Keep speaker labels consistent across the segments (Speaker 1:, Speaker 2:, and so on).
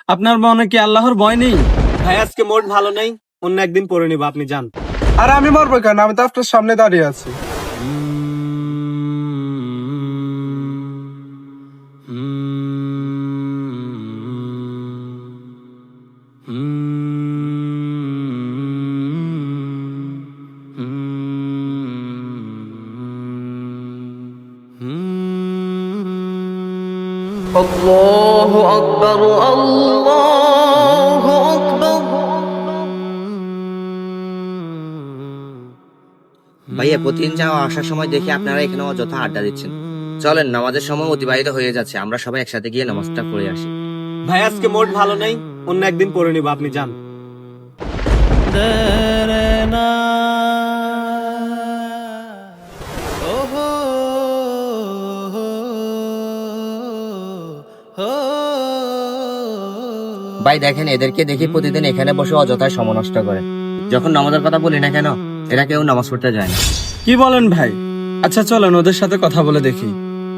Speaker 1: আপনার মনে কি আল্লাহর ভয় নেই?
Speaker 2: ভাই আজকে মোড ভালো নেই, অন্য একদিন পরে নিব, আপনি যান।
Speaker 3: আর আমি মরবো কেন? আমি তো আপনার সামনে দাঁড়িয়ে আছি।
Speaker 4: الله أكبر الله أكبر।
Speaker 5: ভাইয়া প্রতিদিন যাওয়া আসার সময় দেখি আপনারা এখানে অযথা আড্ডা দিচ্ছেন। চলেন, নামাজের সময় অতিবাহিত হয়ে যাচ্ছে, আমরা সবাই একসাথে গিয়ে নামাজটা পড়ে আসি।
Speaker 2: ভাই আজকে মোড ভালো নেই, অন্য একদিন পরে নিব, আপনি যান।
Speaker 5: ভাই দেখেন, এদেরকে দেখি প্রতিদিন এখানে বসে অযথায় সময় নষ্ট করে। যখন নামাজের কথা বলি না কেন, এরা কেউ নামাজ পড়তে যায় না।
Speaker 1: কি বলেন ভাই? আচ্ছা চলেন ওদের সাথে কথা বলে দেখি।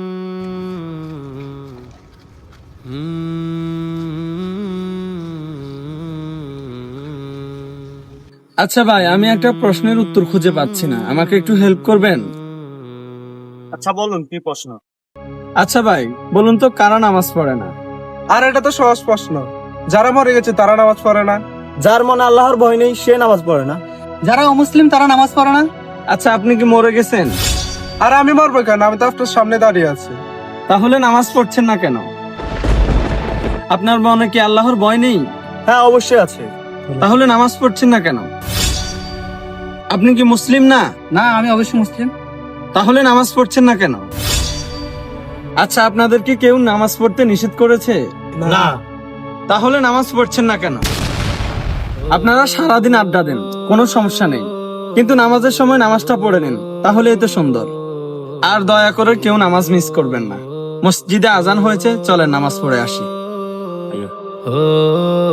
Speaker 1: আচ্ছা ভাই, আমি একটা প্রশ্নের উত্তর খুঁজে পাচ্ছি না, আমাকে একটু হেল্প করবেন?
Speaker 2: আচ্ছা বলুন, কি প্রশ্ন?
Speaker 1: আচ্ছা ভাই বলুন তো, কারা নামাজ পড়ে না?
Speaker 3: আর এটা তো সহজ প্রশ্ন। যারা মরে গেছে তারা নামাজ পড়ে না।
Speaker 2: যার মনে আল্লাহর ভয় নেই সে নামাজ পড়ে না।
Speaker 1: যারা অমুসলিম তারা নামাজ পড়ে না। আচ্ছা আপনি কি মরে গেছেন?
Speaker 3: আর আমি মরবো কেন? আমি তো আপনার সামনে দাঁড়িয়ে আছি।
Speaker 1: তাহলে নামাজ পড়ছেন না কেন? আপনার মনে কি আল্লাহর ভয় নেই?
Speaker 2: হ্যাঁ অবশ্যই আছে।
Speaker 1: তাহলে নামাজ পড়ছেন না কেন? আপনি কি মুসলিম না?
Speaker 6: না, আমি অবশ্যই মুসলিম।
Speaker 1: তাহলে নামাজ পড়ছেন না কেন? আচ্ছা আপনাদের কি কেউ নামাজ পড়তে নিষেধ করেছে?
Speaker 2: না।
Speaker 1: তাহলে নামাজ পড়ছেন না কেন? আপনারা সারাদিন আড্ডা দেন, কোনো সমস্যা নেই, কিন্তু নামাজের সময় নামাজটা পড়ে নিন, তাহলে এতে সুন্দর। আর দয়া করে কেউ নামাজ মিস করবেন না। মসজিদে আজান হয়েছে, চলেন নামাজ পড়ে আসি।